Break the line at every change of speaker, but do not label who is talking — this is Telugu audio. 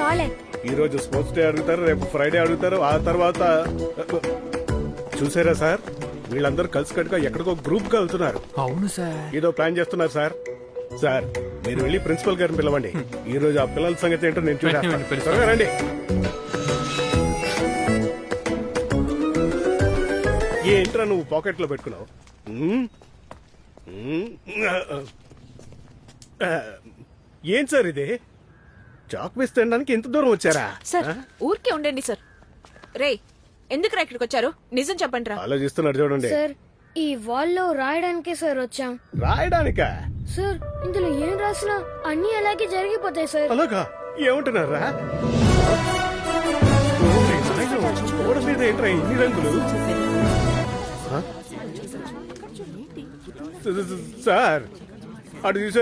కాలే.
ఈ రోజు స్పోర్ట్స్ డే అడుగుతారు, రేపు ఫ్రైడే అడుగుతారు, ఆ తర్వాత చూసారా సార్, వీళ్ళందరూ కలిసి కట్టుగా ఎక్కడికో గ్రూప్ గా వెళ్తున్నారు.
అవును సార్.
ఏదో ప్లాన్ చేస్తున్నారు సార్. సార్ మీరు వెళ్ళి ప్రిన్సిపల్ గారిని పిలవండి. ఈ రోజు ఆ పిల్లల సంగతి ఏంటో నేను చూసేస్తాను.
వెంటనే పిలుస్తాను.
త్వరగా రండి. ఏంట్రా నువ్వు పాకెట్ లో పెట్టుకున్నావు? ఏం సార్ ఇది? చాక్ పీస్ తినడానికి ఎంత దూరం వచ్చారా?
సార్ ఊరికే ఉండండి సార్. రే ఎందుకు ఇక్కడికి వచ్చారు? నిజం చెప్పండి రా.
ఆలోచిస్తున్నారు చూడండి.
సార్ ఈ వాల్లో రాయడానికే సార్ వచ్చాం.
రాయడానికా?
సార్ ఇందులో ఏం రాసినా అన్ని అలాగే జరిగిపోతాయి సార్.
అలాగా? ఏమంటున్నారా? గోడ మీద ఏంట్రా ఇన్ని రంగులు? సార్ అటు చూసారు